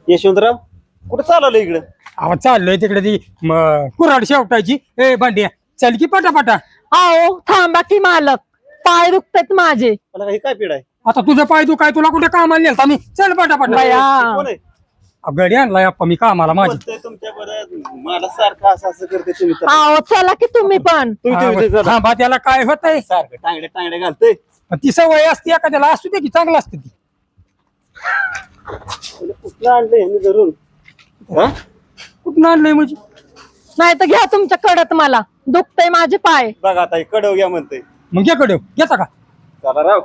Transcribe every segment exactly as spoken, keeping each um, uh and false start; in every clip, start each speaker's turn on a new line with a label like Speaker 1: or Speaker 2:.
Speaker 1: यशवंतराव कुठं चालवलं इकडं?
Speaker 2: आवाज चाललोय तिकडे ती म- कुऱ्हाड शेवटायची. ए भांड्या चल की पटापटा.
Speaker 3: आओ थांबा की मालक, पाय दुखतात माझे.
Speaker 1: मला काही काय पीड आहे?
Speaker 2: आता तुझं पाय तू काय तुला कुठे कामाला नेलता मी? चल पटापटा.
Speaker 3: बया.
Speaker 1: कोण आहे?
Speaker 2: गडी आणलाय अप्पा मी कामाला माझी.
Speaker 1: बोलतोय तुमच्या बरं मला सारखं असं असं करते तुम्ही तर.
Speaker 3: आओ चला की तुम्ही पण.
Speaker 1: तुम्ही- तुम्ही तर जरा
Speaker 2: थांबा त्याला काय होतंय?
Speaker 1: सारखं टांगडे टांगडे घालतोय.
Speaker 2: ती सवय असते एखाद्याला असू दे की चांगलं असते ती.
Speaker 1: कुठलं आणलंय मी धरून? हा?
Speaker 2: कुठं आणलंय म्हणजे?
Speaker 3: नाही तर घ्या तुमच्या कडत, मला दुखतय माझे पाय.
Speaker 1: बघा आता हे कडव घ्या म्हणतोय.
Speaker 2: मग घ्याकडे घेता का?
Speaker 1: चला राव.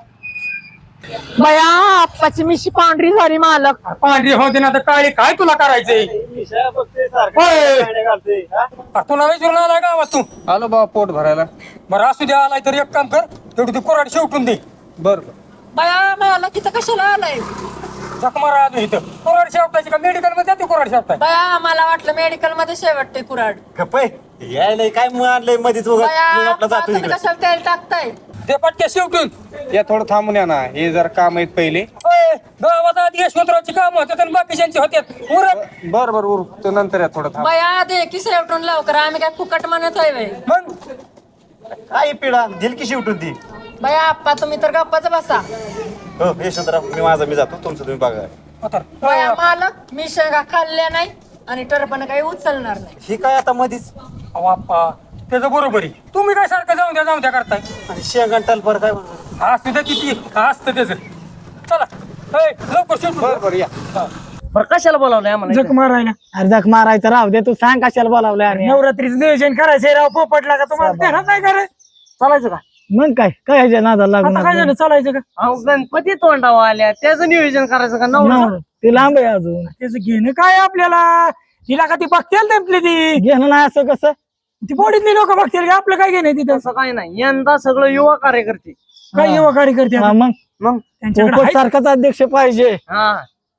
Speaker 3: बया आप्पाची मिशी पांढरी झाली मालक.
Speaker 2: पांढरी होते ना तर काळी काय तुला करायचंय?
Speaker 1: मिशा बघतोय सारखं
Speaker 2: होय.
Speaker 1: टांगडे घालतोय. हा?
Speaker 2: अरे तुला विचारून आलाय गावात तू?
Speaker 4: आलो बाबा पोट भरायला.
Speaker 2: बरं असू दे आलाय तर एक काम कर, तेवढी ती कुऱ्हाड शेवटून दे.
Speaker 4: बर
Speaker 3: बया मालक इथं कशाला आलाय?
Speaker 2: जख मारा आजू इथं. कुऱ्हाड शेवटायची का मेडिकल मध्ये जाते कुऱ्हाड शेवटाय?
Speaker 3: बया मला वाटलं मेडिकल मध्ये शेवटते कुराड.
Speaker 1: गप्प आहे. यायला काय मग आणलंय मध्येच उगाच. मग आपला जातो
Speaker 3: तुम्ही
Speaker 1: इकडे.
Speaker 3: कशाला तेल टाकताय?
Speaker 2: ते पटक्या शेवटून.
Speaker 4: या थोडं थांबून या ना, हे जर काम आहेत पहिले.
Speaker 2: होय, गावात आधी यशवंतरावची काम होतात आणि बाकीच्यांची होत्यात. उरक.
Speaker 4: बर बर उर तो नंतर या थोडं थांब.
Speaker 3: बया दे की शेवटून लवकर, आम्ही काय फुकट म्हणत होय व्हय?
Speaker 2: मग
Speaker 1: काय पिढा दिल की शेवटून ती.
Speaker 3: बया आप्पा तुम्ही तर गप्पाच बसा.
Speaker 1: हो यशवंतराव मी माझा मी जातो, तुमचं तुम्ही बघा.
Speaker 2: आता
Speaker 3: बया मालक मी शेंगा खाल्ल्या नाही आणि टरपण काही उचलणार नाही.
Speaker 1: ही काय आता मधीच
Speaker 2: बाप्पा त्याचं बरोबर आहे. तुम्ही काय सारखं जाऊन द्या जाऊन द्या करताय?
Speaker 1: आणि शेंगण टलपर काय म्हणतो?
Speaker 2: असू द्या किती असतं त्याचं. चला होय, लवकर शेवटून.
Speaker 4: बर बर या.
Speaker 5: कशाला बोलावलंय आम्हाला
Speaker 2: जख मारायला
Speaker 5: अर्धक मारायचं राहू दे, तू सांग कशाला बोलावलंय. आणि
Speaker 2: नवरात्रीचं नियोजन करायचंय राव. पोपटला का तुम्हाला ध्यानात नाही कराय?
Speaker 5: चालायचं का? मग काय काय ह्याच्या नादाला
Speaker 2: आता काय झालं,
Speaker 5: लागून
Speaker 2: चालायचं का?
Speaker 5: अहो गणपती तोंडावर आल्या, त्याचं नियोजन करायचं का? नवरा ती लांब आहे अजून,
Speaker 2: त्याचं घेणं काय आपल्याला? तिला का ती बघतील tempली ती
Speaker 5: घेणं नाही असं कसं?
Speaker 2: ती बॉडीतली लोक बघतील का? आपलं काय घेणं तिथं?
Speaker 5: तसं काय नाही, यंदा सगळं युवा कार्यकर्ते.
Speaker 2: काय युवा कार्यकर्ते
Speaker 5: हा,
Speaker 2: आता?
Speaker 5: मग
Speaker 4: मग
Speaker 2: त्यांच्याकडे
Speaker 5: पोपट
Speaker 2: आहे
Speaker 5: सारखाच अध्यक्ष पाहिजे.
Speaker 4: हा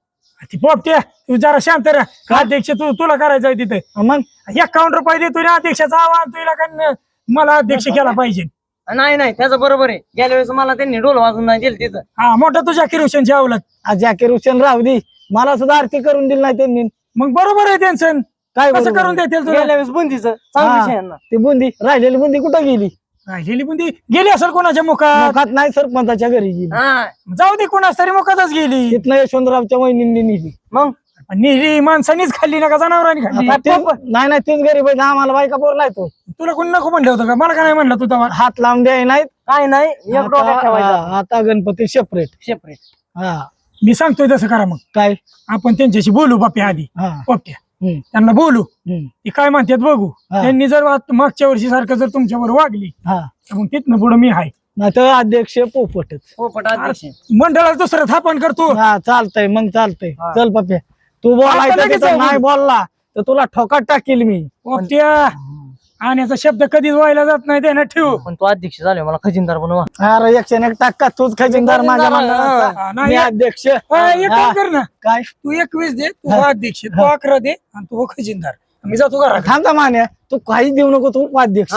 Speaker 2: ती पोपट्या तू जरा शांत राहा. अध्यक्ष तू तुला करायचंय तिथे.
Speaker 5: हा, मग
Speaker 2: एकावन्न रुपये देतो ना अध्यक्षाचा आवाज तुला का मला अध्यक्ष केला पाहिजे.
Speaker 5: नाही नाही त्याचं बरोबर आहे. गेल्या वेळेस मला त्यांनी डोल वाजून नाही दिलं तिथं.
Speaker 2: हा मोठा तुझ्या किरोशनची अवलत.
Speaker 5: जाकीर हुसेन राहू दे, मला सुद्धा आरती करून दिली नाही त्यांनी.
Speaker 2: मग बरोबर आहे त्यांचं.
Speaker 5: काय
Speaker 2: कसं
Speaker 5: बरोबर
Speaker 2: करून
Speaker 5: आहे?
Speaker 2: देतील तुला?
Speaker 5: गेल्या वेळेस बुंदीचं
Speaker 2: हा.
Speaker 5: चांगली शेण. ती बुंदी राहिलेली बुंदी कुठं गेली?
Speaker 2: राहिलेली पण ती गेली असेल कोणाच्या मुखात.
Speaker 5: मुखात नाही, सरपंचाच्या घरी गेली.
Speaker 2: जाऊ दे कोणाच तरी मुखातच गेली.
Speaker 5: तिथनं यशवंतरावच्या वहिनींनी नेली. मग
Speaker 2: निरी माणसानीच खाल्ली ना का जनावरांनी खाल्ली?
Speaker 5: आता तेच- नाही नाही तेच गरीब आहे, आम्हाला बायका पोर नाही तो.
Speaker 2: तुला कोणी नको म्हणलं होतं का? मला का नाही म्हणलं तू तेव्हा?
Speaker 5: हात लावून द्याय नाही काय नाही, एक डोक्यात ठेवायचा. आता गणपती सेपरेट सेपरेट. हा
Speaker 2: मी सांगतोय तसं करा. मग
Speaker 5: काय?
Speaker 2: आपण त्यांच्याशी बोलू बाप्या आधी.
Speaker 5: हा
Speaker 2: पोपट्या
Speaker 5: हम्म,
Speaker 2: त्यांना बोलू,
Speaker 5: हम्म,
Speaker 2: ती काय म्हणतात बघू.
Speaker 5: हा.
Speaker 2: त्यांनी जर वा- मागच्या वर्षी सारखं जर तुमच्यावर वागली
Speaker 5: हा
Speaker 2: तर मग तिथनं पुढे मी आहे.
Speaker 5: नाही तर अध्यक्ष पोपटच.
Speaker 4: पोपट अध्यक्ष.
Speaker 2: मंडळात दुसरं थापण करतो.
Speaker 5: हा चालतंय, मग चालतंय.
Speaker 4: हा.
Speaker 5: चल पप्या, तू
Speaker 2: आता
Speaker 5: बोलायचं
Speaker 2: लगेच
Speaker 5: तिथं
Speaker 2: जाऊ.
Speaker 5: नाही बोलला तर तुला ठोकात टाकील मी.
Speaker 2: पोपट्या आणण्याचा शब्द कधीच व्हायला जात नाही, त्यानं ठेवू.
Speaker 5: पण तू अध्यक्ष झाले, मला खजिनदार बनवा. अरे एकशे एक टक्का तूच खजिनदार माझ्या
Speaker 2: हा,
Speaker 5: मंडळाचा.
Speaker 2: नाही.
Speaker 5: मी अध्यक्ष.
Speaker 2: हा, एक
Speaker 5: हा.
Speaker 2: काम कर ना,
Speaker 5: काय
Speaker 2: तू एकवीस दे, तू अध्यक्ष, तू अकरा दे आणि तू खजिनदार. मी जातो घरात.
Speaker 5: थांबता मान्या, तू काहीच देऊ नको, तू उपाध्यक्ष.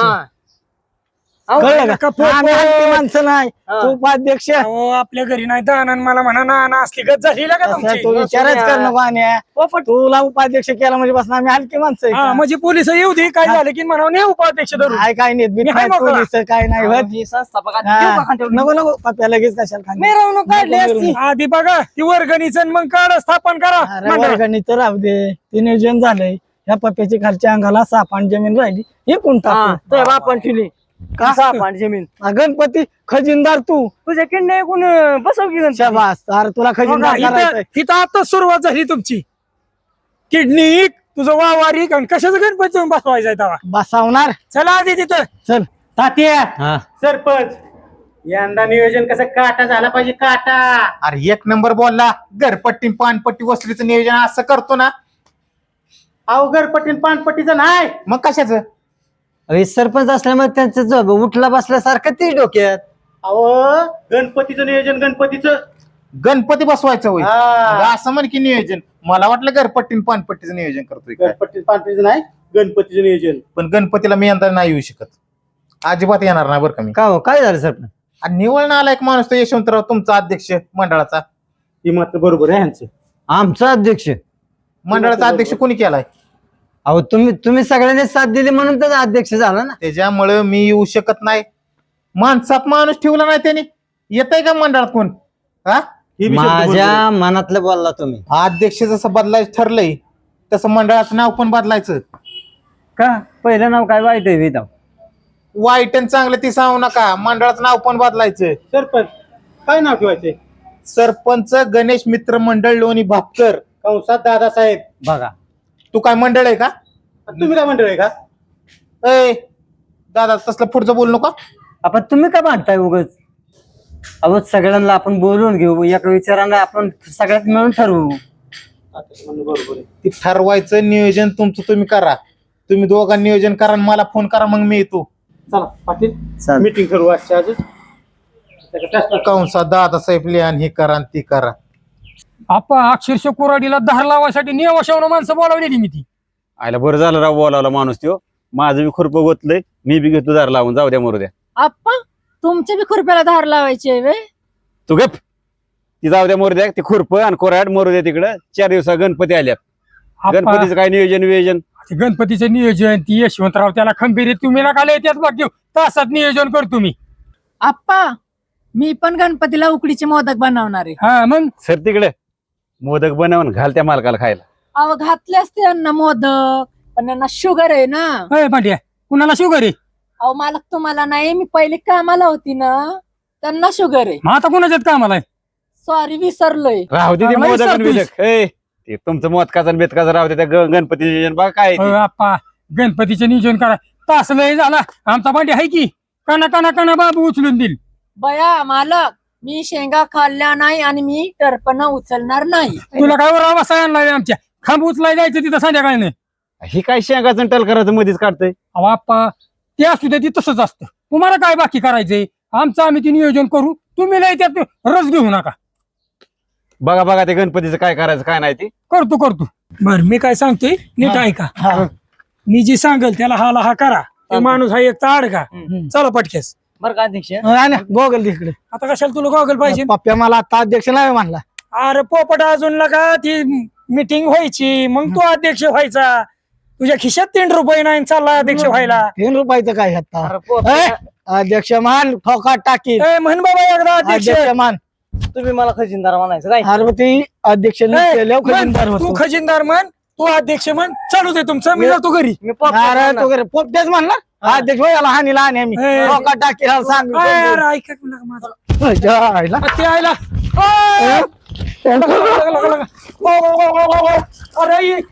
Speaker 5: कळलं
Speaker 2: का
Speaker 5: का?
Speaker 2: पोपट?
Speaker 5: आम्ही हलकी माणसं नाही, तू उपाध्यक्ष.
Speaker 2: अहो, आपल्या घरी नाही दाना मला म्हणा ना ना असली गत झाली ना का
Speaker 5: असं
Speaker 2: तुमची?
Speaker 5: तू विचारच कर नको. मान्या तुला उपाध्यक्ष केला म्हणजे बस आम्ही हलकी माणसं आहे
Speaker 2: हा
Speaker 5: का?
Speaker 2: म्हणजे पोलिस येऊ दे, काय झालं की म्हणा नाही उपाध्यक्ष धरून.
Speaker 5: काय काय नाही
Speaker 2: मी हाय मोकळा.
Speaker 5: पोलीस काय नाही होत. हा. नको नको पप्या लगेच कशाला खाली. नको,
Speaker 2: आधी बघा ती वर्गणीचं मग काढ स्थापन करा
Speaker 5: अरे
Speaker 2: मंडळात.
Speaker 5: वर्गणीच राहू दे, ते नियोजन झालंय. या पप्याची खालच्या अंगाला सापान जमीन राहिली, हे कोण टाकू?
Speaker 4: आपण ठेवली
Speaker 5: का?
Speaker 4: सापान जमीन.
Speaker 5: हा, गणपती खजिनदार तू.
Speaker 4: तुझ्या किंडे कोण बसव की
Speaker 5: शाबास, अरे तुला खजिनदार
Speaker 2: बघा,
Speaker 5: करायचंय.
Speaker 2: इथं इथं आता सुरुवात झाली तुमची. किडनी इक, तुझं वावारी आणि कशाचं गणपती येऊन बसवायचं तेव्हा.
Speaker 5: बसावणार.
Speaker 2: चला आधी तिथं.
Speaker 5: चल
Speaker 4: तात्या सरपंच यंदा नियोजन कसं काटा झाला पाहिजे, काटा.
Speaker 6: अरे एक नंबर बोलला. घरपट्टी पानपट्टी वसुलीचं नियोजन असं करतो ना.
Speaker 4: अहो घरपट्टी पानपट्टीचं नाही.
Speaker 6: मग कशाचं?
Speaker 5: सरपंच असल्यामुळे त्यांचं उठला बसल्यासारखं ते डोक्यात.
Speaker 4: अहो गणपतीचं नियोजन, गणपतीचं.
Speaker 6: गणपती बसवायचं होय.
Speaker 4: हा.
Speaker 6: मग असं म्हण की नियोजन. मला वाटलं घरपट्टी पानपट्टीचं नियोजन करतोय काय.
Speaker 4: गणपती पानपट्टीचं नाही, गणपतीचं नियोजन.
Speaker 6: पण गणपतीला मी यंदा नाही येऊ शकत. अजिबात येणार नाही बरं का मी.
Speaker 5: का हो, काय झालं सरपंच?
Speaker 6: आणि निवडून आला एक माणूस तो यशवंतराव तुमचा अध्यक्ष मंडळाचा.
Speaker 4: ही मात्र बरोबर आहे ह्यांचं.
Speaker 7: आमचा अध्यक्ष.
Speaker 6: मंडळाचा अध्यक्ष कोणी केलाय?
Speaker 7: अहो तुम्ही तुम्ही सगळ्यांनी साथ दिली म्हणून तर अध्यक्ष झाला ना.
Speaker 6: त्याच्यामुळे मी येऊ शकत नाही. माणसात माणूस ठेवला नाही त्याने. येतय का मंडळात कोण? हा
Speaker 1: हे बी शब्द बरोबर
Speaker 7: माझ्या
Speaker 1: आहे.
Speaker 7: मनातलं बोलला तुम्ही.
Speaker 6: अध्यक्ष जसं बदलायचं ठरलंय तसं मंडळाचं नाव पण बदलायचं.
Speaker 7: का पहिलं नाव काय वाईट आहे वेदा?
Speaker 6: वाईट आणि चांगलं ती सांगू नका. मंडळाचं नाव पण बदलायचं.
Speaker 4: सरपंच काय नाव ठेवायचे?
Speaker 6: सरपंच गणेश मित्र मंडळ लोणी भापकर
Speaker 4: कंसात दादासाहेब.
Speaker 7: बघा
Speaker 6: तू काय मंडळ आहे का?
Speaker 4: तुम्ही काय मंडळ आहे का?
Speaker 6: ए दादा तसलं पुढचं बोलू नका.
Speaker 7: आपण तुम्ही का भांडताय उगाच? अहो सगळ्यांना आपण बोलून घेऊ, एका विचारांना आपण सगळ्यात मिळून ठरवू.
Speaker 4: बरोबर आहे.
Speaker 6: ती ठरवायचं नियोजन तुमचं तुम्ही करा. तुम्ही दोघांनी नियोजन करा आणि मला फोन करा, मग मी येतो.
Speaker 4: चला पाटील
Speaker 7: चालेल.
Speaker 4: मीटिंग करू आजच्या आजच. त्याचा test
Speaker 6: कंसा दादासाहेब लिहान हे करा आणि ती करा.
Speaker 2: आपा अक्षरशः कुराडीला धार लावायसाठी नियमाशावर माणसं बोलावलेली मी ती.
Speaker 1: आयला बरं झालं राव बोलावला माणूस त्यो. माझं बी खुरप गोतलंय, मी बी घेतो दार लावून. जाऊ द्या मरू द्या.
Speaker 3: आप्पा तुमच्या बी खुरप्याला धार लावायची आहे वे?
Speaker 1: तू गप. ती जाऊ द्या मरू द्या. ते खुरप आणि कोराड मरू द्या तिकडं. चार दिवसा गणपती आल्यात.
Speaker 2: आप्पा,
Speaker 1: गणपतीचं काय नियोजन वियोजन?
Speaker 2: ते गणपतीचं नियोजन ती यशवंतराव त्याला खंबीर तुम्ही नका लय त्यात बाकी तासात नियोजन करतो मी.
Speaker 3: आप्पा मी पण गणपतीला उकडीचे मोदक बनवणार आहे.
Speaker 2: हा मग
Speaker 1: सर तिकडे मोदक बनवून घाल त्या मालकाला खायला.
Speaker 3: अहो घातले असते यांना मोदक पण यांना शुगर आहे ना.
Speaker 2: अय पांड्या कुणाला शुगर आहे?
Speaker 3: अहो मालक तुम्हाला नाही, मी पहिले कामाला होती ना त्यांना शुगर आहे.
Speaker 2: मग आता कुणाच्यात कामाला आहे?
Speaker 3: सॉरी विसरलोय.
Speaker 1: राहू दे ते
Speaker 2: चांगला
Speaker 1: मोदक आणि
Speaker 2: विचारतोयस.
Speaker 1: बिदक. ए, ते तुमचं मोदकाचं आणि बेतकाचं राहू दे. त्या ग- गणपती नियोजन बघा काय आहे
Speaker 2: अहो,
Speaker 1: ते.
Speaker 2: आप्पा गणपतीचं नियोजन करा. तास लय झाला आमचा पांड्या आहे की काना काना काना बाबू उचलून देईल.
Speaker 3: बया मालक मी शेंगा खाल्ल्या नाही आणि मी टरपण उचलणार नाही.
Speaker 2: तुला काय वर आवाज आणलाय आमच्या खांब उचलाय जायचं तिथं संध्याकाळी.
Speaker 1: ही काय शेंगाचं टल करायचं मध्येच काढतंय.
Speaker 2: अहो आप्पा ते असू दे ती तसंच असतं. तुम्हाला काय बाकी करायचंय? आमचं आम्ही ते नियोजन करू, तुम्ही लय त्यात रस घेऊ नका.
Speaker 1: बघा बघा ते गणपतीचं काय करायचं काय नाही ते.
Speaker 2: करतो करतो. बर मी काय सांगतोय नीट ऐका. मी जी सांगेल त्याला हाला हा करा. ते माणूस हा एक ताड का. चला पटकेस.
Speaker 5: बरं का अध्यक्ष गोगल तिकडे.
Speaker 2: आता कशाला तुला गॉगल पाहिजे?
Speaker 5: पप्प्या मला आता अध्यक्ष नाही म्हणला.
Speaker 2: अरे पोपट अजून लगा ती मीटिंग व्हायची मग तू अध्यक्ष व्हायचा. तुझ्या खिशात तीन रुपये नाही चालला अध्यक्ष व्हायला.
Speaker 5: तीन रुपयाचं काय आता? ए, अध्यक्ष मान ठोका टाकी.
Speaker 2: ए, म्हण बाबा एकदा अध्यक्ष.
Speaker 5: अध्यक्ष मान.
Speaker 7: तुम्ही मला खजिनदार म्हणायचं काय?
Speaker 5: अरे मग ती अध्यक्ष
Speaker 2: ए,
Speaker 5: केल्यावर
Speaker 2: म्हण,
Speaker 5: खजिनदार
Speaker 2: तू
Speaker 5: होतो.
Speaker 2: खजिनदार म्हण, तू अध्यक्ष म्हण. चालू दे तुमचं, मी जातो घरी.
Speaker 7: मी पप्पा
Speaker 5: अरे
Speaker 7: म्हणणार.
Speaker 5: तू घरी पोपट्याच म्हणला अध्यक्ष भाई याला हानी लहान आहे मी
Speaker 2: ए.
Speaker 5: ठोका टाकी सांग.
Speaker 2: ए, अरे ऐका की लगा माझं.
Speaker 5: जायला.
Speaker 2: ते आयला. ए, लगा, लगा, लगा. ओ, ओ, ओ, ओ, ओ. अरे ई.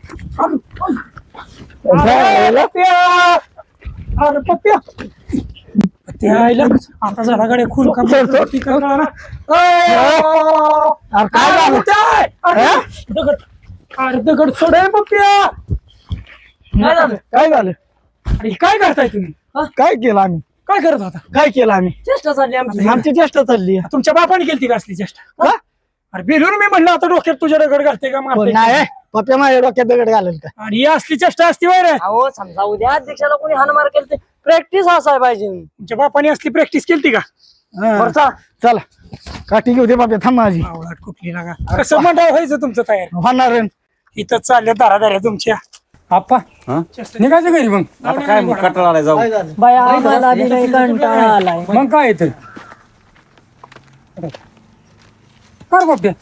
Speaker 2: अरे पप्प्या. अरे पप्प्या. ते आयला आता जरा गडे खून का
Speaker 5: अरे काय झालं?
Speaker 2: अरे दगड अरे दगड सोड ए, पप्प्या. काय झालं?
Speaker 5: काय झालं?
Speaker 2: अरे काय करताय तुम्ही?
Speaker 5: काय केलं आम्ही?
Speaker 2: काय करत होता?
Speaker 5: काय केलं आम्ही?
Speaker 7: चेष्टा झाली आमची.
Speaker 5: आमची चेष्टा चालली आहे.
Speaker 2: तुमच्या बापाने केली का असली चेष्टा?
Speaker 5: का?
Speaker 2: अरे बेलून मी म्हणलं आता डोक्यात तुझ्या दगड घालते का
Speaker 5: पण
Speaker 2: मारते
Speaker 5: नाही
Speaker 2: का?
Speaker 5: पप्प्या माझ्या डोक्यात दगड घालेल का?
Speaker 2: आणि ही असली चेष्टा असती वय रे.
Speaker 7: अहो समजा उद्या अध्यक्षाला कोणी हानमार केली तर प्रॅक्टिस असाय पाहिजे.
Speaker 2: तुमच्या बापाने असली प्रॅक्टिस केली का?
Speaker 5: हा.
Speaker 7: बरं चला.
Speaker 5: चला काठी घेऊ दे पप्प्या थांब माझी.
Speaker 2: आवळात कुठली लागा. कसं मंडळ व्हायचं तुमचं तयार?
Speaker 5: होणार आहे.
Speaker 2: इथं चालल्या दारा दाऱ्या तुमच्या. आप्पा
Speaker 1: हा?
Speaker 2: निघायचं घरी मग.
Speaker 1: आता काय मग कंटाळा आलाय जाऊ.
Speaker 5: काय झालं?
Speaker 3: बया मला बी लय कंटाळा आलाय.
Speaker 2: मग काय येतं कर पोपट्या.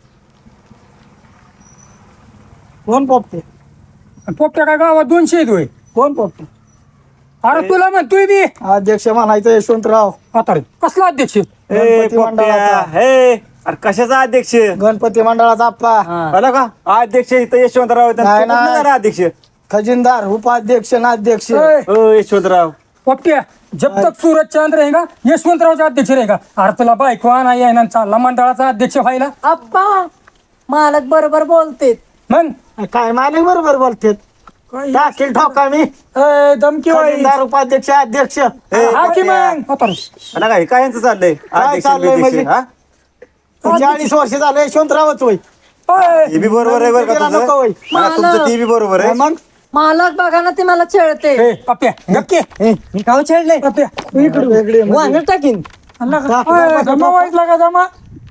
Speaker 5: कोण पोपटे?
Speaker 2: पोपट्या काय गावात दोनशे येत होय.
Speaker 5: कोण पोपटे?
Speaker 2: अरे तुला म्हणतोय बी
Speaker 5: अध्यक्ष म्हणायचं यशवंतराव
Speaker 2: आता रे. कसला अध्यक्ष?
Speaker 5: गणपती मंडळाचा.
Speaker 1: हे अरे कशाचा अध्यक्ष?
Speaker 5: गणपती मंडळाचा आप्पा
Speaker 1: आला का अध्यक्ष इथं यशवंतराव आहेत.
Speaker 5: नाही,
Speaker 1: आणि तो कुठला
Speaker 5: नाही.
Speaker 1: जरा अध्यक्ष?
Speaker 5: खजिनदार उपाध्यक्ष नाध्यक्ष.
Speaker 2: ए,
Speaker 1: हो यशवंतराव.
Speaker 2: पोपट्या जब तक सूरज चांद रहेगा यशवंतरावचा अध्यक्ष रहेगा. अरे तुला बायको आणा येणार चालला मंडळाचा अध्यक्ष व्हायला.
Speaker 3: आप्पा मालक बरोबर बोलते.
Speaker 2: मग
Speaker 5: काय मालिक बरोबर बोलते. टाकील ठोका मी.
Speaker 2: ए, धमकी वाई.
Speaker 5: खजिनदार उपाध्यक्ष अध्यक्ष.
Speaker 2: हा की मग आता रे.
Speaker 1: आला काय काय यांचं चाललंय? अध्यक्ष
Speaker 5: चाललंय
Speaker 1: बिध्यक्ष,
Speaker 5: म्हणजे?
Speaker 1: हा?
Speaker 5: चाळीस वर्ष झालं यशवंतरावच होय.
Speaker 2: ए,
Speaker 1: हे बी बरोबर आहे बरं का
Speaker 5: गेला
Speaker 1: तुझं?
Speaker 5: नको होय.
Speaker 1: हा, तुमचं ते बी बरोबर आहे.
Speaker 5: मग
Speaker 3: मालक बघा ना ते मला छेळते.
Speaker 2: ए, पप्प्या नक्की
Speaker 7: मी काव छेडले.
Speaker 2: पप्प्या
Speaker 5: इकडे वेगळे म्हणजे.
Speaker 7: वांगण टाकीन.
Speaker 2: अल्ला का? ए, जमा व्हायला का जमा?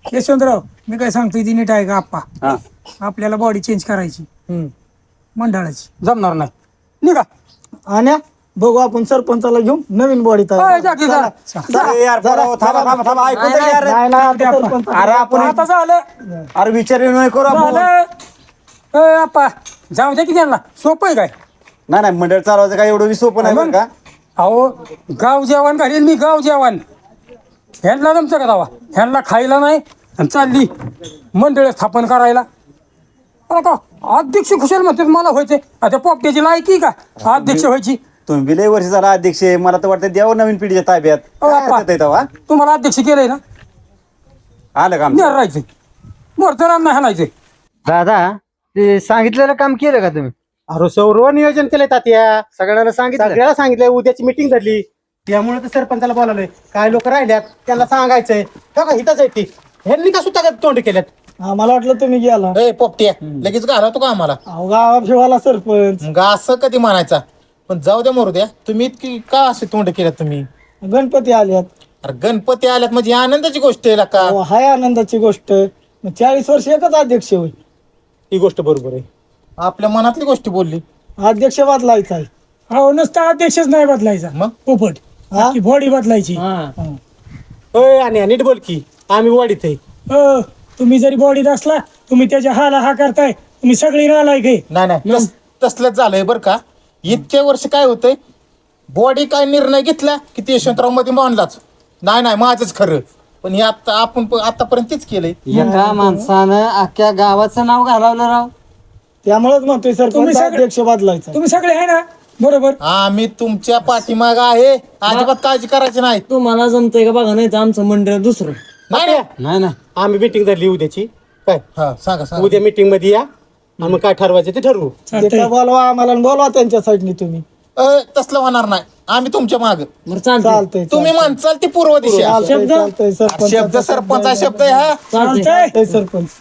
Speaker 2: यशवंतराव मी काय सांगतोय ती नीट आहे का आप्पा
Speaker 1: हा
Speaker 2: आपल्याला बॉडी चेंज करायची
Speaker 5: हम्म.
Speaker 2: मंडळाची
Speaker 5: जमणार नाही निघा आणि बघू आपण सरपंचाला घेऊन नवीन बॉडी
Speaker 2: अय, जा की जा.
Speaker 1: अरे यार पोरांनो, थांबा थांबा थांबा ऐकून तर घ्या रे. अरे आपण
Speaker 2: आता झालं
Speaker 1: अरे विचार नाही करू आपण
Speaker 2: झालं अय, आप्पा जाऊ दे की त्यांना सोपं आहे काय
Speaker 1: नाही नाही मंडळ चालवायचं काय एवढं सोपं नाही बरं का
Speaker 2: अहो गाव जेवण घालील मी गाव जेवण ह्यांना जमचं का दावा ह्यांना खायला नाही आणि चालली मंडळ स्थापन करायला अरे का अध्यक्ष खुशाल म्हणतात मला व्हायचे आता पोपट्याची लायकी का अध्यक्ष व्हायची
Speaker 1: तुम्ही बी लय वर्ष झाला अध्यक्ष आहे. मला तर वाटतं द्यावं नवीन पिढीच्या ताब्यात
Speaker 2: अहो,
Speaker 1: काय
Speaker 2: बाप्पा.
Speaker 1: अर्थ आहे तेव्हा?
Speaker 2: तुम्हाला अध्यक्ष केलंय ना
Speaker 1: आलं का आमचं?
Speaker 2: नेर राहायचंय मोरचं राम नाही हाणायचंय
Speaker 7: दादा ते सांगितलेलं काम केलं का तुम्ही
Speaker 4: अरे सर्व नियोजन केलंय तात्या
Speaker 7: सगळ्यांना सांगितलं
Speaker 4: सगळ्याला सांगितलंय उद्याची मिटिंग धरली त्यामुळे तर सरपंचाला बोलावलंय काय लोक राहिल्यात त्यांना सांगायचंय का हिथंच आहे ती ह्यांनी का सुद्धा तोंड केल्यात
Speaker 5: मला वाटलं तुम्ही गेला
Speaker 6: ए पोपट्या लगेच घालवतो का आम्हाला
Speaker 5: अहो गावा फिवाला सरपंच
Speaker 6: मग असं कधी म्हणायचा पण जाऊ द्या मरू द्या तुम्ही इतकी का असे तोंड केल्यात तुम्ही
Speaker 5: गणपती आल्यात
Speaker 6: अरे गणपती आल्यात म्हणजे आनंदाची गोष्ट आहे का
Speaker 5: अहो, हाय आनंदाची गोष्ट मग चाळीस वर्ष एकच अध्यक्ष होईल
Speaker 4: ही गोष्ट बरोबर आहे
Speaker 6: आपल्या मनातली गोष्ट बोलली
Speaker 5: अध्यक्ष बदलायचा आहे
Speaker 2: अहो नुसता अध्यक्षच नाही बदलायचा
Speaker 6: मग
Speaker 2: पोपट
Speaker 5: हा?
Speaker 2: बॉडी बदलायची
Speaker 4: होय आणि नीट बोल की आम्ही वाढीत आहे
Speaker 2: अ, तुम्ही जरी बॉडीत असला तुम्ही त्याच्या हाला हा करताय तुम्ही सगळी नालायक आहे
Speaker 6: नाही नाही तस- तसलंच झालंय बरं का इतक्या वर्ष काय होतंय बॉडी काय निर्णय घेतला की ते यशवंतराव मध्ये मानलाच नाही नाही माझंच खरं पण हे आता आपण प- आतापर्यंत तेच केलंय
Speaker 7: एका माणसानं अख्ख्या गावाचं नाव घालवलं राव
Speaker 5: त्यामुळेच म्हणतोय
Speaker 2: तुम्ही
Speaker 5: सरपंच
Speaker 2: सगळे-
Speaker 5: अध्यक्ष बदलायचा
Speaker 2: तुम्ही सगळे आहे ना बरोबर
Speaker 6: आम्ही तुमच्या पाठीमाग आहे अजिबात काळजी करायची नाही
Speaker 7: तुम्हाला जमतंय का बघा नाही तर आमचं मंडळ दुसरं
Speaker 6: नाही नाही.
Speaker 7: नाही ना
Speaker 4: आम्ही मिटिंग धरली उद्याची काय
Speaker 6: हा सांगा सांगा
Speaker 4: उद्या मिटिंग मध्ये या आणि मग काय ठरवायचं ते ठरवू
Speaker 2: चालतंय.
Speaker 5: ते बोलवा आम्हाला आणि बोलवा त्यांच्या साईडनी तुम्ही
Speaker 6: अ, तसलं होणार नाही आम्ही तुमच्या माग
Speaker 7: बरं चालतंय
Speaker 5: चालतंय
Speaker 6: तुम्ही म्हणचाल ती पूर्व दिशा
Speaker 5: चालतंय चालतंय सरपंच
Speaker 6: शब्द सरपंचा शब्द आहे हा
Speaker 2: चालतंय
Speaker 5: चालतंय सरपंच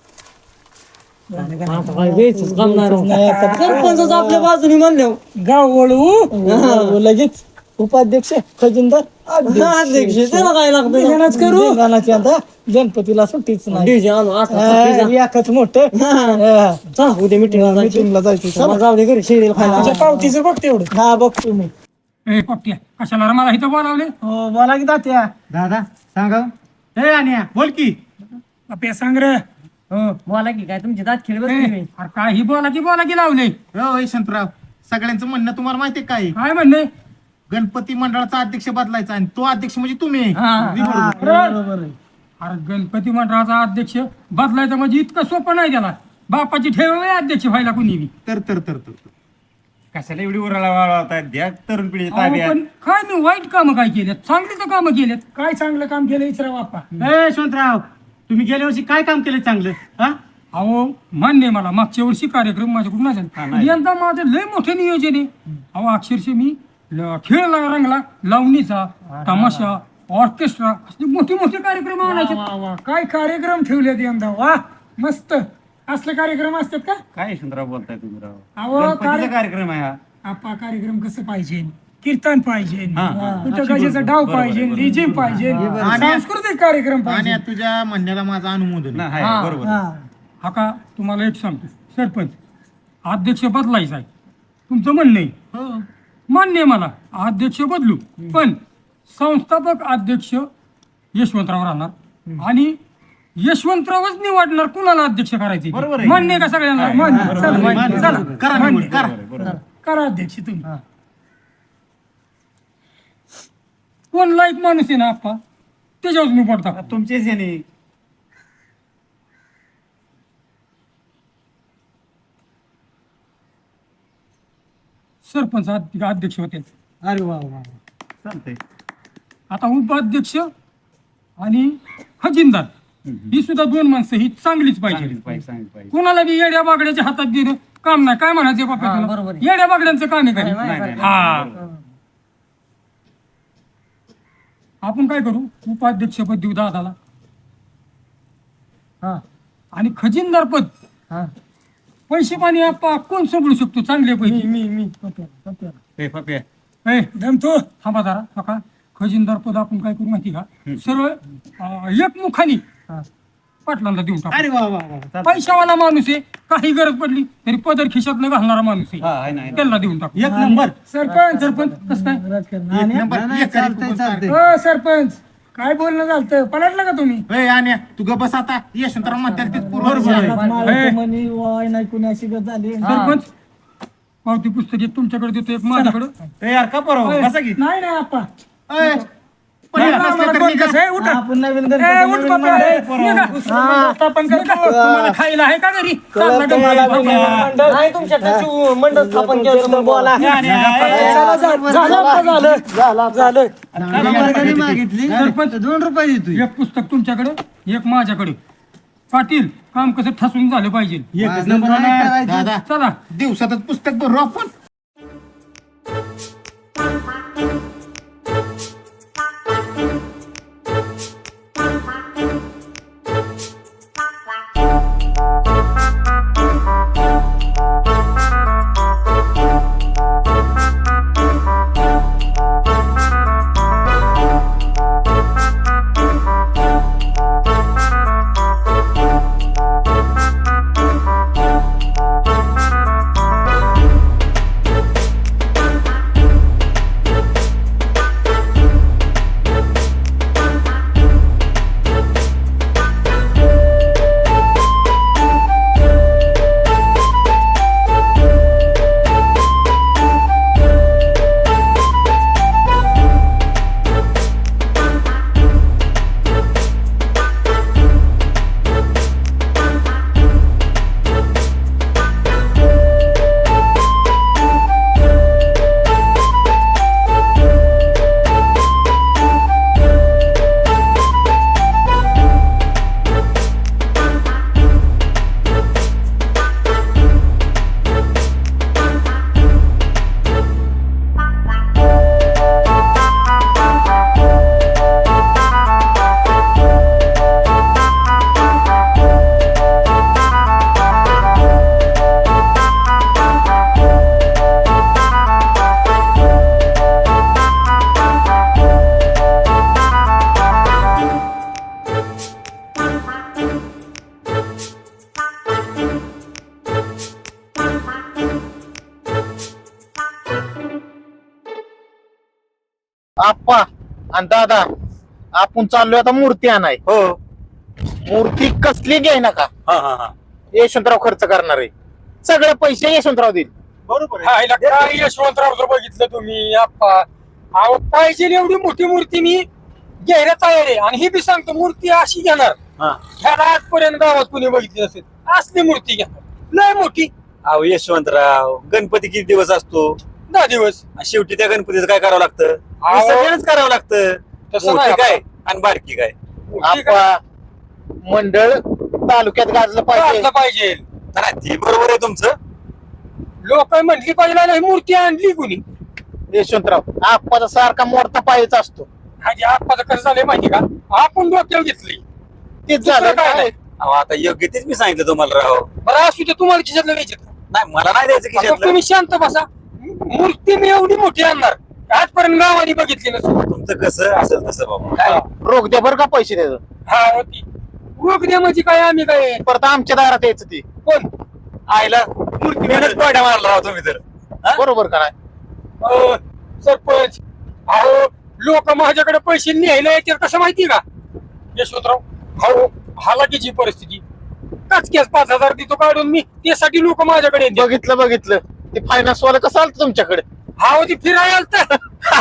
Speaker 7: आता काय वेचच काम नाही राव.
Speaker 5: नाही आता
Speaker 7: सरपंचच आपल्या बाजूने म्हणले
Speaker 2: गाव वळू
Speaker 5: हो, लगेच उपाध्यक्ष खजिनदार
Speaker 7: अध्यक्ष त्याला काय लागतं
Speaker 2: धिंगाणाच करू
Speaker 5: गणाची आता गणपतीला सुट्टीच नाही
Speaker 7: डीजे आणू आता
Speaker 5: हा, एकच मोठं हा.
Speaker 7: चला उद्या मिटिंगला जायचं
Speaker 5: मीटिंगला जायचं चला.
Speaker 7: जाऊ दे घरी शेळीला खायला
Speaker 2: तुझ्या पावतीचं बघ तेवढं
Speaker 5: हा बघतो मी
Speaker 2: ए पप्प्या कशाला रे मला इथं बोलावले
Speaker 5: हो बोला की तात्या
Speaker 7: दादा सांगा
Speaker 4: हे आणि बोल की
Speaker 2: पप्प्या सांग रे
Speaker 7: हो बोला की काय तुमची दात खेळ
Speaker 2: ए, अरे काही बोला की बोला की लावले
Speaker 6: हो यशवंतराव सगळ्यांचं म्हणणं तुम्हाला माहितीये काय
Speaker 2: काय म्हणणे
Speaker 6: गणपती मंडळाचा अध्यक्ष बदलायचा आणि तो अध्यक्ष म्हणजे तुम्ही
Speaker 2: हा.
Speaker 5: बरोबर आहे
Speaker 2: अरे गणपती मंडळाचा अध्यक्ष बदलायचा म्हणजे इतकं सोपं नाही त्याला बापाची ठेव आहे अध्यक्ष व्हायला कुणी बी
Speaker 6: तर तर तर तर
Speaker 1: कशाला एवढी उराला वाढवताय द्या तरुण पिढीच्या
Speaker 2: अहो,
Speaker 1: ताब्यात
Speaker 2: पण काय मी वाईट कामं काय केलेत चांगली तर कामं केलेत काय चांगलं काम केलं इचरा बाप्पा
Speaker 4: ए यशवंतराव तुम्ही गेल्या वर्षी काय काम केलं चांगलं हा
Speaker 2: अहो मान्य आहे मला मागच्या वर्षी कार्यक्रम माझ्याकडून नाही झाले यंदा माझं लय मोठं नियोजन आहे अहो अक्षरशः मी ल- खेळ ला- रंगला लावणीचा तमाशा ऑर्केस्ट्रा असे मोठे मोठे कार्यक्रम आणायचे काय कार्यक्रम ठेवलेत यंदा वा मस्त असले कार्यक्रम असतात का
Speaker 1: काय यशवंतराव बोलताय तुम्ही राव
Speaker 2: अहो
Speaker 1: गणपतीचा
Speaker 2: कार्य-
Speaker 1: कार्यक्रम आहे हा
Speaker 2: आपा कार्यक्रम कसं पाहिजे कीर्तन पाहिजे कुठं गजेचा डाव पाहिजे लिजिम पाहिजे सांस्कृतिक कार्यक्रम पाहिजे
Speaker 6: आणि तुझ्या म्हणण्याला माझं अनुमोदन आहे.
Speaker 1: ना, आहे, बरोबर
Speaker 2: हा का तुम्हाला एक सांगतो सरपंच अध्यक्ष बदलायचा आहे तुमचं म्हणणं आहे मान्य आहे मला अध्यक्ष बदलू पण संस्थापक अध्यक्ष यशवंतराव राहणार आणि यशवंतरावच निवडणार कुणाला अध्यक्ष करायचे
Speaker 1: बरोबर आहे.
Speaker 2: मान्य आहे का सगळ्यांना मान्य चला, मान्य. चला
Speaker 6: करा
Speaker 2: मान्य.
Speaker 6: निवड, करा.
Speaker 2: करा अध्यक्ष तुम्ही कोण लाईक माणूस आहे ना आप्पा त्याच्यावर मी पडता
Speaker 1: तुमचेच याने
Speaker 2: सरपंच अध- अध्यक्ष होते
Speaker 5: अरे वा वा
Speaker 1: चालतंय
Speaker 2: आता उपाध्यक्ष आणि खजिनदार ही सुद्धा दोन माणसं ही चांगलीच पाहिजे
Speaker 1: सांगितलं पाहिजे सांगितलं पाहिजे
Speaker 2: कोणाला बी येड्या बागड्याच्या हातात देणं काम नाही काय म्हणायचं बापा तुला? येड्या बागड्यांचं काम आहे
Speaker 1: नाही,
Speaker 2: काय
Speaker 1: नाही,
Speaker 2: हा आपण काय करू उपाध्यक्ष पद देऊ दादाला आणि खजिनदार पद पैसे पाणी आपा कोण सांभाळू शकतो चांगल्यापैकी
Speaker 5: मी मी
Speaker 1: ए, पप्या
Speaker 2: ए दमतो थांबा जरा नका खजिनदार पद आपण काय करू माहिती का सरळ अं, एक मुखानी पाटलांना देऊन टाकू.
Speaker 4: अरे वा वा वा चालतंय.
Speaker 2: पैशावाला माणूस आहे, काही गरज पडली तरी पदर खिशात न घालणारा माणूस आहे, त्याला देऊन टाकू.
Speaker 4: एक नंबर
Speaker 2: सरपंच सरपंच कसं काय
Speaker 5: राजकारण
Speaker 6: एक
Speaker 5: आणि-
Speaker 6: नंबर एक करी कुठं
Speaker 2: हो सरपंच, काय बोलणं झालं पलटलं का तुम्ही?
Speaker 6: ए, आण्या तू ग बस आता यशवंतराव म्हणतात ते
Speaker 4: बरोबर आहे.
Speaker 5: माळाचं मणी वाय नाही कुणी अशी गत झाली
Speaker 2: सरपंच पावती पुस्तक एक तुमच्याकडे देतो, एक माझ्याकडे.
Speaker 4: ए, यार का बरोबर बसा की
Speaker 2: नाही नाही आपा
Speaker 6: ए, पण
Speaker 2: नाही,
Speaker 6: येत
Speaker 2: नाही,
Speaker 6: नसले
Speaker 2: आम्हाला
Speaker 6: तर
Speaker 2: कोण
Speaker 6: निघा.
Speaker 2: कसं आहे, उठा.
Speaker 5: आपण नवीन
Speaker 2: ए,
Speaker 5: गणपती
Speaker 2: उठ
Speaker 5: नवीन
Speaker 2: बापा,
Speaker 5: मंडळ
Speaker 2: ए, निघा. स्थापन करतो. तुम्हाला खायला आहे का घरी? चालला का
Speaker 5: तुम्हाला
Speaker 2: घरी?
Speaker 5: मंडळ- नाही तुमच्याकडे मंडळ स्थापन केलं तुम्ही बोला
Speaker 4: आणि- आणि-
Speaker 5: चला, झालं झालं आता झालं झालं
Speaker 2: सरपंच दोन रुपये देतो. एक पुस्तक तुमच्याकडे, एक माझ्याकडे. पाटील, काम कसं ठसून झालं पाहिजे.
Speaker 4: एकच नंबर होणार.
Speaker 6: दादा
Speaker 2: चला.
Speaker 6: दिवसातच पुस्तक भरू आपण. आप्पा आणि दादा आपण चाललोय आता मूर्ती आणाय.
Speaker 1: हो
Speaker 6: मूर्ती कसली घ्याय नका,
Speaker 1: हा हा हा
Speaker 6: यशवंतराव खर्च करणार आहे. सगळे पैसे यशवंतराव देईल.
Speaker 4: बरोबर आहे.
Speaker 2: खायला काय यशवंतराव बघितलं तुम्ही आप्पा? अहो पाहिजे एवढी मोठी मूर्ती मी घ्यायला तयार आहे, आणि ही बी सांगतो मूर्ती अशी घेणार
Speaker 1: हा.
Speaker 2: ह्याला आजपर्यंत गावात कुणी बघितली नसेल असली मूर्ती घेणार, लय मोठी.
Speaker 1: अहो यशवंतराव, गणपती किती दिवस असतो?
Speaker 2: दहा दिवस.
Speaker 1: आणि शेवटी त्या गणपतीचं काय करावं लागतं?
Speaker 2: अहो.
Speaker 1: विसर्जनच करावं लागतं.
Speaker 2: तसं
Speaker 1: मोठी
Speaker 2: नाही
Speaker 1: काय आणि बारकी काय?
Speaker 2: मूर्ती काय
Speaker 6: आप्पा मंडळ तालुक्यात गाजलं पाहिजे.
Speaker 2: घातलं पाहिजे.
Speaker 1: नाही, ते बरोबर आहे तुमचं.
Speaker 2: लोक म्हटली पाहिजे नाही मूर्ती आणली कुणी.
Speaker 6: यशवंतराव आप्पाचा सारखा मोडता पायचा असतो.
Speaker 2: हाजी आप्पाचं कसं झालंय माहिती का? आपण डोक्यावर घेतली.
Speaker 6: तेच
Speaker 2: दुसरं
Speaker 6: झालं
Speaker 2: काय
Speaker 6: काय.
Speaker 2: नाही.
Speaker 1: अहो आता योग्य तेच मी सांगितलं तुम्हाला राव.
Speaker 2: बरं असू दे, तुम्हाला खिशातलं घ्यायचं.
Speaker 1: नाही मला नाही द्यायचं
Speaker 2: आता
Speaker 1: खिशातलं.
Speaker 2: तुम्ही शांत बसा. मूर्ती मी एवढी मोठी आणणार आजपर्यंत गावाने बघितली नसेल.
Speaker 1: तुमचं कसं असेल तसं बाबा.
Speaker 6: काय रोख द्या बरं का पैसे द्यायचं.
Speaker 2: हा होती रोख द्या म्हणजे काय, आम्ही काय
Speaker 6: परत आमच्या दारात यायचं ती.
Speaker 2: कोण
Speaker 1: आईला मूर्ती मेहनत पाड्या मारला राव तुम्ही तर. हा?
Speaker 6: बरोबर का नाही.
Speaker 2: अहो, सरपंच अहो लोक माझ्याकडे पैसे न्यायला येतात कसं माहिती का यशवंतराव? अहो हालाकीची परिस्थिती, काचक्यास पाच हजार देतो काढून मी, त्यासाठी लोक माझ्याकडे येतात.
Speaker 6: बघितलं बघितलं ते फायनान्स वाला कसं आलं तुमच्याकडे.
Speaker 2: हा होती फिरायला आलता.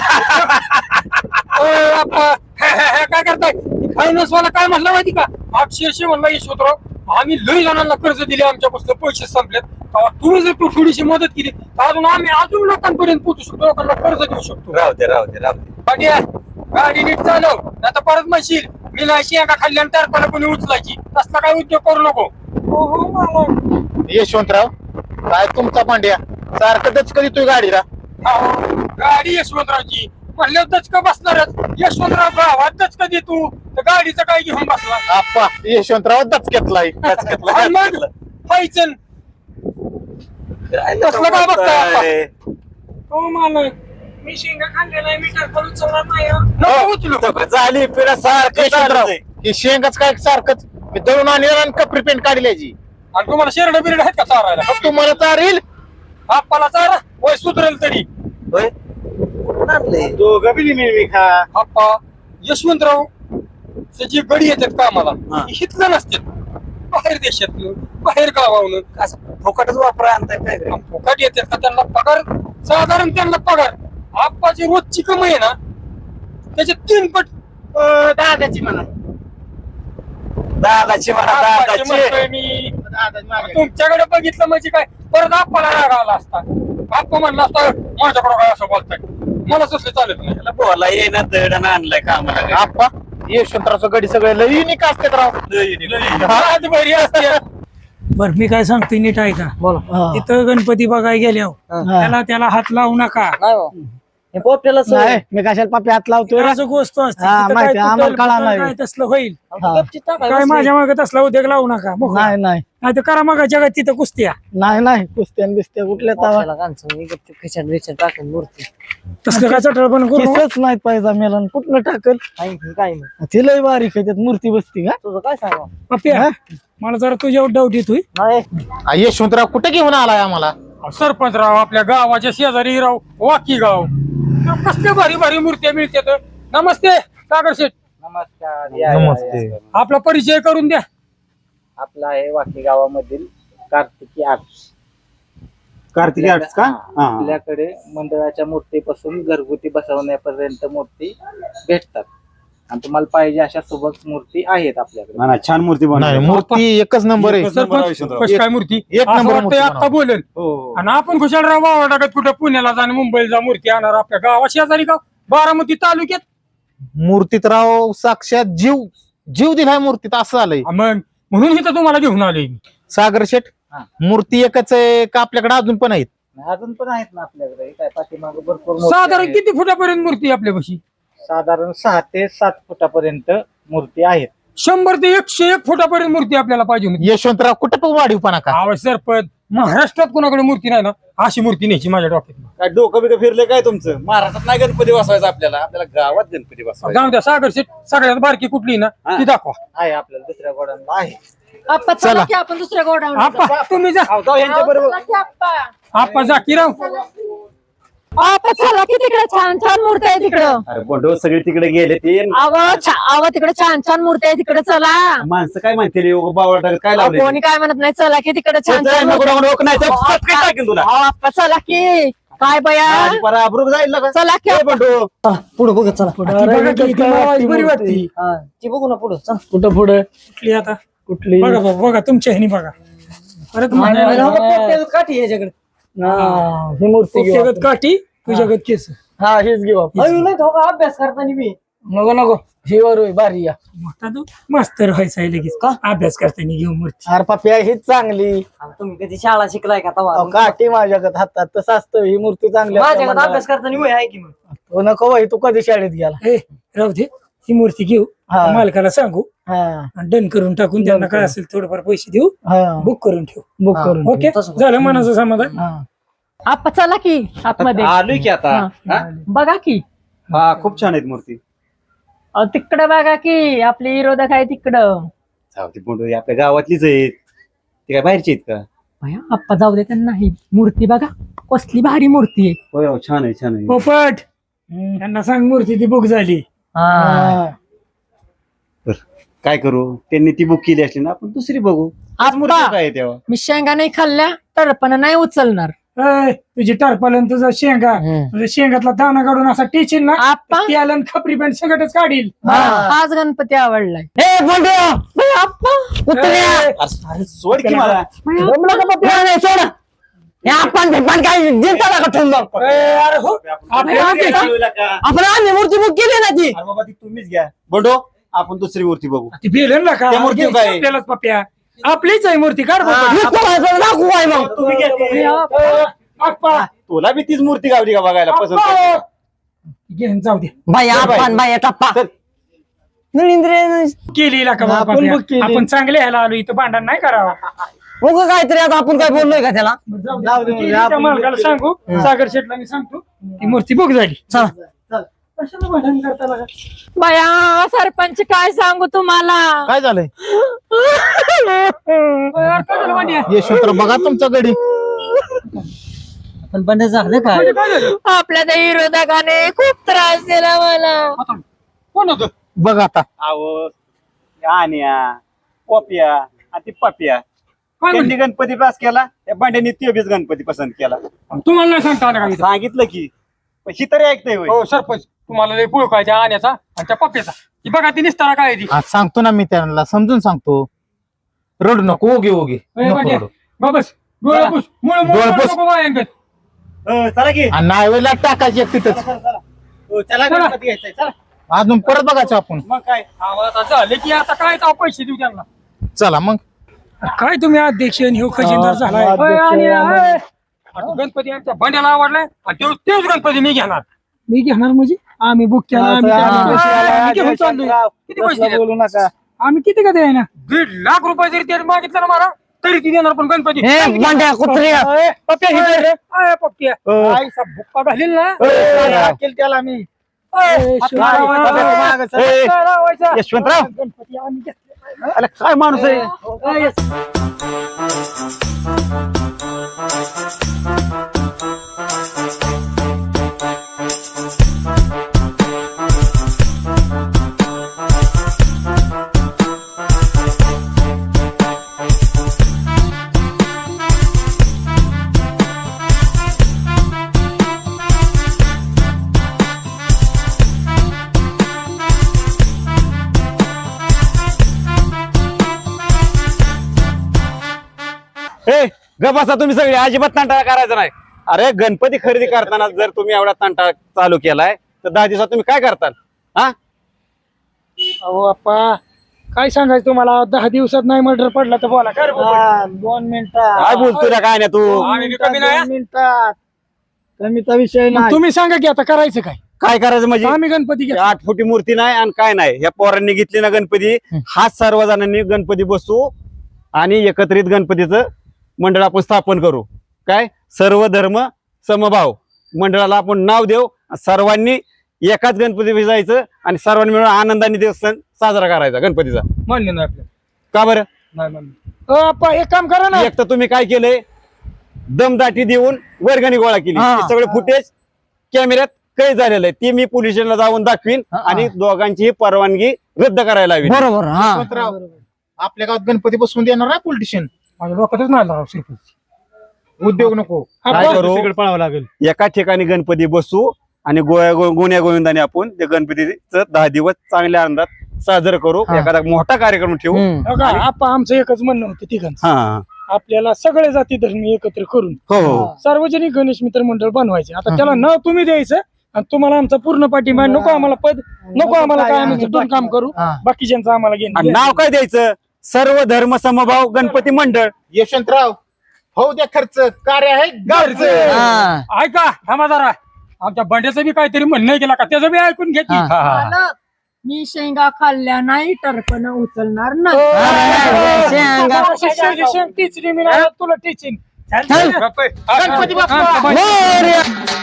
Speaker 2: ओ, आप्पा, हे, हे, हे, काय करताय? फायनान्स वाला काय म्हणला माहिती का? अक्षरशः म्हणला यशवंतराव आम्ही लई जणांना कर्ज दिले, आमच्यापासून पैसे संपलेत, तेव्हा तुम्ही जर तू थोडीशी मदत केली तर अजून आम्ही अजून लोकांपर्यंत पोहोचू शकतो, लोकांना कर्ज देऊ शकतो.
Speaker 1: राहू दे राहू दे राहू दे.
Speaker 2: पाटील गाडी नीट चालव, आता परत म्हणशील मी नाही शेंगा खाल्ल्यान तर कोणी उचलायची. तसला काय उद्योग करू नको.
Speaker 6: यशवंतराव काय तुमचा पांड्या सारखं दचक देतोय गाडीला.
Speaker 2: अहो, गाडी यशवंतरावची म्हणलं दचका बसणारच. यशवंतराव गावात दचका देतो तर गाडीचं काय घेऊन बसला?
Speaker 6: आप्पा यशवंतराव दचक्यातलाय.
Speaker 2: आणि मग पाहिजे
Speaker 1: काय
Speaker 2: कसलं काय बघताय आपण?
Speaker 1: बघताय?
Speaker 2: हो मालक मी शेंगा खाल्ल्या नाही मी टरपण उचलणार नाही हं. नको उचलू.
Speaker 1: झाली पिढ्या सारखं
Speaker 6: यशवंतराव हे शेंगाच काय सारखंच मी दळून आणलं आणि कपरी पेंट काढल्याची
Speaker 2: आणि तुम्हाला शेरड बिरड आहेत का चारायला
Speaker 6: मग तुम्हाला चारेल
Speaker 2: आप्पाला चारा वय सुधरेल तरी
Speaker 1: दोघं बी मी खा
Speaker 2: आप्पा यशवंतराव ते जे गडी येतात कामाला हितलं नसते बाहेर देशातलं बाहेर गावावरून
Speaker 5: फुकटच वापरा आणताय काय रे?
Speaker 2: फुकट येतात का त्यांना पगार साधारण त्यांना पगार आप्पाची रोजची कमाई आहे ना त्याचे तीन पट
Speaker 4: अं, दादाची म्हणा
Speaker 1: दादाची म्हणा
Speaker 2: आप्पाची
Speaker 1: दादाची
Speaker 2: म्हणतोय मी
Speaker 4: दादाची मागे.
Speaker 2: तुमच्याकडे बघितलं म्हणजे काय परत आप्पाला राग आला असता आप्पा म्हणला असता माझ्याकडे काय असं बोलताय मला तसले चालत नाही
Speaker 1: त्याला बोला येईना दडण आणलाय कामाला
Speaker 6: आप्पा यशवंतरावचं गडी सगळे लई युनिक असतात राव
Speaker 2: आज बरी असते
Speaker 8: बर मी काय सांगतोय नीट ऐका
Speaker 5: हा.
Speaker 8: तिथं गणपती बघायला गेल्यावर त्याला त्याला हात लावू नका
Speaker 7: पोपट्याला
Speaker 5: नाही मी कशाला पापी हात लावतोय रे?
Speaker 8: असं गोष्ट असते
Speaker 5: हा,
Speaker 8: तिथं
Speaker 5: माहिती
Speaker 8: काय
Speaker 5: आहे, आम्हाला
Speaker 8: तुटल
Speaker 5: कळालं
Speaker 8: फुटल
Speaker 5: नाही.
Speaker 8: काय तसलं होईल
Speaker 5: हा.
Speaker 8: काय माझ्या मागे तसला उद्योग लावू नका मोकळं.
Speaker 5: नाही नाही
Speaker 8: नाही तर करा मग जगात तिथं कुस्त्या
Speaker 5: नाही नाही कुस्त्यान बिस्त्या कुठल्या तावा
Speaker 7: खिशात बिशात टाकून मूर्ती
Speaker 8: तसलं काय चटळ पण करू नका.
Speaker 5: किसच नाहीत पाहिजे मेलन कुठलं टाकल
Speaker 7: काय
Speaker 5: ती लय बारीक आहे त्यात मूर्ती बसती का
Speaker 7: तुझं काय सांगा
Speaker 8: पप्प्या मला जरा तुझ्यावर डाऊट येतोय
Speaker 7: नाही
Speaker 6: आ, यशवंतराव कुठे घेऊन आलाय आम्हाला
Speaker 2: सरपंचराव आपल्या गावाच्या शेजारी राव वाकी गाव कसल्या भारी भारी मूर्त्या मिळतात नमस्ते सागर शेठ
Speaker 6: नमस्ते
Speaker 2: आपला परिचय करून द्या
Speaker 9: आपला आहे वाकी गावामधील कार्तिकी आर्ट्स
Speaker 1: कार्तिकी आर्ट्स का हा
Speaker 9: आपल्याकडे मंडळाच्या मूर्तीपासून घरगुती बसवण्यापर्यंत मूर्ती भेटतात आणि तुम्हाला पाहिजे अशा सोबत मूर्ती आहेत आपल्याकडे
Speaker 1: ना, ना, छान मूर्ती
Speaker 6: नाही
Speaker 1: बनवली
Speaker 6: मूर्ती एकच नंबर आहे
Speaker 2: सरपंच कशी काय मूर्ती
Speaker 6: एक
Speaker 2: असं
Speaker 6: नंबर
Speaker 2: वाटतंय
Speaker 6: मूर्ती
Speaker 2: आता
Speaker 6: बनवा.
Speaker 2: बोलेल
Speaker 1: हो
Speaker 2: आणि आपण खुशालराव वावा टाकत कुठे पुण्याला जा आणि मुंबईला जा मूर्ती आणणार आपल्या गावा शेजारी गाव बारामती तालुक्यात
Speaker 6: मूर्तीत राव साक्षात जीव जीव दिलाय मूर्तीत असं आलंय
Speaker 2: मग म्हणून इथं तुम्हाला घेऊन आलोय मी
Speaker 6: सागर शेठ
Speaker 9: हा.
Speaker 6: मूर्ती एकच आहे का आपल्याकडे अजून पण आहेत
Speaker 9: अजून पण आहेत ना आपल्याकडे काय पाठीमागे भरपूर मूर्ती
Speaker 2: साधारण
Speaker 9: आहेत.
Speaker 2: किती फुटापर्यंत मूर्ती आहे आपल्यापाशी
Speaker 9: साधारण सहा ते सात फुटापर्यंत मूर्ती आहेत
Speaker 2: शंभर ते एकशे एक फुटापर्यंत मूर्ती आपल्याला पाहिजे होती
Speaker 6: यशवंतराव कुठे पण वाढीवपणा का
Speaker 2: आवड सरपंच महाराष्ट्रात कोणाकडे मूर्ती नाही ना अशी मूर्ती न्यायची माझ्या डोक्यात
Speaker 1: काय डोकं बिकं फिरले काय तुमचं महाराष्ट्रात नाही गणपती बसवायचा आपल्याला आपल्याला गावात गणपती बसवायचा
Speaker 2: जाऊ द्या सागर शेठ सगळ्यात बारकी कुठली ना
Speaker 1: हा.
Speaker 2: ती दाखवा
Speaker 9: आहे आपल्याला दुसऱ्या गोडांना आहे
Speaker 3: आप्पा चला की आपण दुसऱ्या गोडाऊन
Speaker 2: आप्पा तुम्ही जा
Speaker 1: यांच्या बरोबर
Speaker 2: आप्पा जाकीराव
Speaker 3: आप्पा चला की तिकडे छान छान मूर्ती आहे तिकडं
Speaker 1: अरे बंडो सगळे तिकडे गेले ते
Speaker 3: आव आव तिकडे छान छान मूर्ती आहे तिकडे चला
Speaker 1: माणसं काय म्हणतील बावळ काय
Speaker 3: अहो,
Speaker 1: लावले
Speaker 3: कोणी काय म्हणत नाही चला की तिकडे छान छान
Speaker 1: नको, नको, नको, नाही,
Speaker 3: अहो,
Speaker 1: तर काय टाकेल तुला?
Speaker 3: अहो, आप्पा चला की काय बया
Speaker 1: माझी परा अब्रूक जाईल ना का?
Speaker 3: चला की
Speaker 1: ए बंडो
Speaker 7: पुढे बघ चला
Speaker 8: ती बघा की, ती मावाची बरी वाटती
Speaker 7: हा ती बघू ना पुढे चल
Speaker 5: कुठं पुढे
Speaker 8: कुठली आता
Speaker 5: कुठली
Speaker 8: बघा बघा बघा तुमच्या ह्यानी बघा अरे तुम्हाला
Speaker 7: काठी याच्याकडे
Speaker 5: हा, ही मूर्ती घेऊ
Speaker 8: जगत काठी तुझ्यागत केस
Speaker 5: आपण. हा हीच घेऊ आपण.
Speaker 7: नाही तो अभ्यास करताना मी
Speaker 5: नको नको ही वर होय, बारी या
Speaker 8: मोठा तू मास्तर व्हायचा आहे लगेच का अभ्यास करताना घेऊ मूर्ती
Speaker 5: अरे पाप्या हीच चांगली
Speaker 7: तुम्ही कधी शाळा शिकलाय का
Speaker 5: अहो,
Speaker 7: तवा
Speaker 5: काठी माझ्याकडे हातात तसं असतं ही मूर्ती चांगली असते
Speaker 7: माझ्याकडे
Speaker 5: म्हणल्यावर.
Speaker 7: अभ्यास करताना मी आहे की मग
Speaker 5: तो नको बाई तू कधी शाळेत गेला
Speaker 8: ए राहू दे ही मूर्ती घेऊ
Speaker 5: हा.
Speaker 8: मालकाला सांगू
Speaker 5: हा
Speaker 8: आणि डन करून टाकून त्यांना काय असेल थोडंफार पैसे देऊ
Speaker 5: हा
Speaker 8: बुक करून ठेवू
Speaker 5: बुक करून
Speaker 8: ओके
Speaker 7: तसं.
Speaker 8: झालं मनाचं समाधान
Speaker 5: हा
Speaker 3: आप्पा चला की आतमध्ये
Speaker 1: आलोय की आता
Speaker 3: हा.
Speaker 1: हा?
Speaker 3: बघा की
Speaker 1: हा खूप छान आहेत मूर्ती
Speaker 3: अहो, तिकडं बघा की आपले विरोधक आहे तिकडं
Speaker 1: जाऊ दे बंडो, ही आपल्या गावातलीच आहेत ते काय बाहेरचे आहेत का
Speaker 3: भया आप्पा जाऊ दे त्यांना नाही मूर्ती बघा कसली भारी मूर्ती आहे
Speaker 1: होय हो, छान आहे छान आहे
Speaker 8: पोपट त्यांना सांग मूर्ती ती बुक झाली
Speaker 5: हा.
Speaker 1: काय करू त्यांनी ती बुक केली असली ना आपण दुसरी बघू आज मूर्ती
Speaker 3: आप्पा
Speaker 1: काय आहे तेव्हा
Speaker 3: मी शेंगा नाही खाल्ल्या तर पण नाही उचलणार
Speaker 8: ए, तुझी टरपालन तुझा शेंगा तुझ्या शेंगातला दाना काढून असा टेचील ना
Speaker 3: आप्पा
Speaker 8: त्याला खपरी पॅन्ट सगळंच काढील
Speaker 3: हा, हाच गणपती आवडलाय
Speaker 5: ए बंड्या
Speaker 3: भया, आप्पा
Speaker 5: उतर्या.
Speaker 1: अरे सोड की मला
Speaker 3: भया,
Speaker 5: जमलं का पप्या? नाही, सोड. हे आपण भेटपान काय दिसताना का ठेवून जाऊ?
Speaker 8: ए, अरे हो
Speaker 1: आपल्या
Speaker 3: आपल्या
Speaker 1: का?
Speaker 5: आपण आम्ही मूर्ती बुक केली ना ती
Speaker 1: अरे बाबा ती तुम्हीच घ्या बंडो आपण दुसरी मूर्ती बघू
Speaker 8: ती बेलन ना का
Speaker 1: त्या मूर्ती काय?
Speaker 8: आपल्यालाच पप्या आपलीच आहे मूर्ती काढ बाबा.
Speaker 5: नको व्हायचं, दाखवू काय मग
Speaker 1: तुम्ही घ्या ती.
Speaker 3: भया,
Speaker 8: ए, आप्पा,
Speaker 1: तुला बी तीच मूर्ती गावली का बघायला पसंत
Speaker 8: आप्पा.
Speaker 1: पडली?
Speaker 8: घेऊन जाऊ दे
Speaker 5: बाई आपण बाई टप्पा
Speaker 1: चल.
Speaker 5: नरेंद्र
Speaker 8: केली का बाबा
Speaker 5: आपण
Speaker 8: पप्या?
Speaker 5: बुक केली.
Speaker 8: आपण चांगले ह्याला आलो इथं भांडण नाही करावा
Speaker 5: मग काहीतरी आता आपण काय बोललोय का त्याला
Speaker 8: जाऊ दे.
Speaker 5: जाऊ दे,
Speaker 8: केली
Speaker 5: आपण
Speaker 8: त्या मालकाला
Speaker 5: बुक
Speaker 8: सांगू सागर शेटला मी सांगतो ती मूर्ती बुक झाली.
Speaker 5: चला
Speaker 8: कशाला भांडण करता लागा?
Speaker 3: बया सरपंच काय सांगू तुम्हाला
Speaker 6: काय झालंय
Speaker 8: यार, काय झालं भांड्या?
Speaker 6: यशवंतराव बघा तुमचा गडी
Speaker 7: पण बंद झालं काय
Speaker 8: काय झालं?
Speaker 3: आपल्या त्या विरोधकाने खूप त्रास दिला मला.
Speaker 8: आता कोण होतं?
Speaker 6: बघ आता
Speaker 1: अहो आण्या पोप्या आणि ती पप्या
Speaker 8: काय
Speaker 1: त्यांनी
Speaker 8: म्हणले?
Speaker 1: गणपती पास केला त्या भांड्याने ते बीच गणपती पसंत केला
Speaker 8: तुम्हाला नाही सांगता आलं का इथं?
Speaker 1: सांगितलं की पण ही तरी ऐकतंय होय.
Speaker 8: हो सरपंच, तुम्हाला लय पुळ काय त्या आण्याचा आणि त्या पप्प्याचा. ती बघा ती निस्तारा काय आहे ती.
Speaker 6: आज सांगतो ना मी त्यांना समजून सांगतो रडू नको ओगे ओगे
Speaker 8: ए,
Speaker 6: नको
Speaker 8: भांड्या,
Speaker 6: रडू.
Speaker 8: बाबस डोळे पुस मुळे
Speaker 6: डोळे पुस.
Speaker 8: नको बायांगत.
Speaker 1: अ, चला की
Speaker 6: आणि नावेला टाकायची एक तिथंच
Speaker 1: चला गणपती घ्यायचंय चला
Speaker 6: अजून परत बघायचं आपण
Speaker 1: मग काय
Speaker 8: आम्हाला आता झाले की आता काय तर पैसे देऊ त्यांना.
Speaker 6: चला मग
Speaker 8: काय तुम्ही अध्यक्ष आणि ह्यो खजिनदार झालाय. होय, आणि, होय. आता गणपती आमच्या भांड्याला आवडलाय आणि तेवढं- तेच गणपती मी घेणार. मी घेणार म्हणजे आम्ही बुक केला आम्ही त्याला पैसे दिले, आम्ही घेऊन चाललोय. किती पैसे दिले?
Speaker 5: बोलू नका.
Speaker 8: आम्ही किती का द्याय ना दीड लाख रुपये जरी त्याने मागितलं ना मला तरी ती देणार पण गणपती.
Speaker 5: ए, भांड्या, कुत्र्या.
Speaker 8: अय, पप्प्या ही दे रे. अय, पप्प्या. आईचा बुक्का घालील ना.
Speaker 5: त्याला मी
Speaker 8: अय, हात लावायचा.
Speaker 1: ए,
Speaker 8: हात लावायचा.
Speaker 1: यशवंतराव
Speaker 8: गणपती आम्ही घेतले.
Speaker 1: अरे काय माणूस आहे ए गपासा तुम्ही सगळे अजिबात तंटा करायचा नाही. अरे गणपती खरेदी करताना जर तुम्ही एवढा तंटा चालू केलाय तर दहा दिवसात तुम्ही काय करताल हा
Speaker 8: अहो अप्पा काय सांगायचं तुम्हाला दहा दिवसात नाही मर्डर पडला तर बोला काय रे बाबा?
Speaker 5: दोन मिनिटात
Speaker 1: काय बोलतोय रे काय नाही तू
Speaker 8: आम्ही बी कमी नाही,
Speaker 5: दोन मिनिटात कमीचा विषय
Speaker 8: मग
Speaker 5: नाही.
Speaker 8: तुम्ही सांगा की आता करायचं काय?
Speaker 1: काय करायचं म्हणजे
Speaker 8: आम्ही गणपती घेतो.
Speaker 1: आठ फुटी मूर्ती नाही आणि काय नाही ह्या पोरांनी घेतली ना गणपती हाच सर्व जणांनी गणपती बसवू आणि एकत्रित गणपतीचं मंडळ आपण स्थापन करू. काय सर्व धर्म समभाव मंडळाला आपण नाव देऊ. सर्वांनी एकाच गणपती जायचं आणि सर्वांनी मिळून आनंदाने दिवस सण साजरा करायचा गणपतीचा.
Speaker 8: मान्य नाही आपल्याला.
Speaker 1: का बरं
Speaker 8: नाही मान्य. अ, अप्पा एक काम करा ना.
Speaker 1: एक तर तुम्ही काय केलंय दमदाटी देऊन वर्गणी गोळा केली.
Speaker 5: हा.
Speaker 1: हे सगळे फुटेज कॅमेऱ्यात कैद झालेलं आहे. ते मी पोलीस स्टेशनला जाऊन दाखवीन आणि दोघांची परवानगी रद्द करायला हवी.
Speaker 5: बरोबर हा
Speaker 6: यशवंतराव आपल्या गावात गणपती बसवून देणार ना पोलिटिशियन
Speaker 8: माझ्या डोक्यातच नाही आला सरपंच.
Speaker 6: उद्योग नको
Speaker 1: काय करू
Speaker 4: पळावं लागेल.
Speaker 1: एका ठिकाणी गणपती बसू आणि गोया गोण्या गोविंदाने आपण ते गणपतीचं दहा दिवस चांगल्या आनंदात साजरं करू.
Speaker 5: हा.
Speaker 1: एखादा मोठा कार्यक्रम ठेवू.
Speaker 5: हम्म.
Speaker 8: हो का? आप्पा आमचं एकच म्हणणं होतं तिघांचं.
Speaker 1: हा
Speaker 8: आपल्याला सगळे जाती धर्मी एकत्र करून
Speaker 1: हो हो
Speaker 8: सार्वजनिक गणेश मित्र मंडळ बनवायचे. आता त्याला नाव तुम्ही द्यायचं आणि तुम्हाला आमचा पूर्ण पाठिंबा. नको आम्हाला पद, नको आम्हाला काय, आम्ही तिथून काम करू.
Speaker 5: हा.
Speaker 8: बाकीच्यांचं आम्हाला
Speaker 1: आणि
Speaker 8: घेणं.
Speaker 1: नाव काय द्यायचं सर्व धर्म समभाव गणपती मंडळ.
Speaker 6: यशवंतराव हो द्या खर्च कार्य आहे गावचं
Speaker 5: हा.
Speaker 8: ऐका थांबा जरा. आमच्या बंड्याचं बी काहीतरी म्हणणं केला का त्याचं बी ऐकून घ्या की.
Speaker 5: हा.
Speaker 3: मालक, मी शेंगा खाल्ल्या नाही टरपण उचलणार नाही.
Speaker 5: अरे, शेंगा.
Speaker 8: शेंग- शेंग टीचली मी नाही तुला टीचिंग.
Speaker 5: चल.
Speaker 8: गणपती
Speaker 5: मोरया.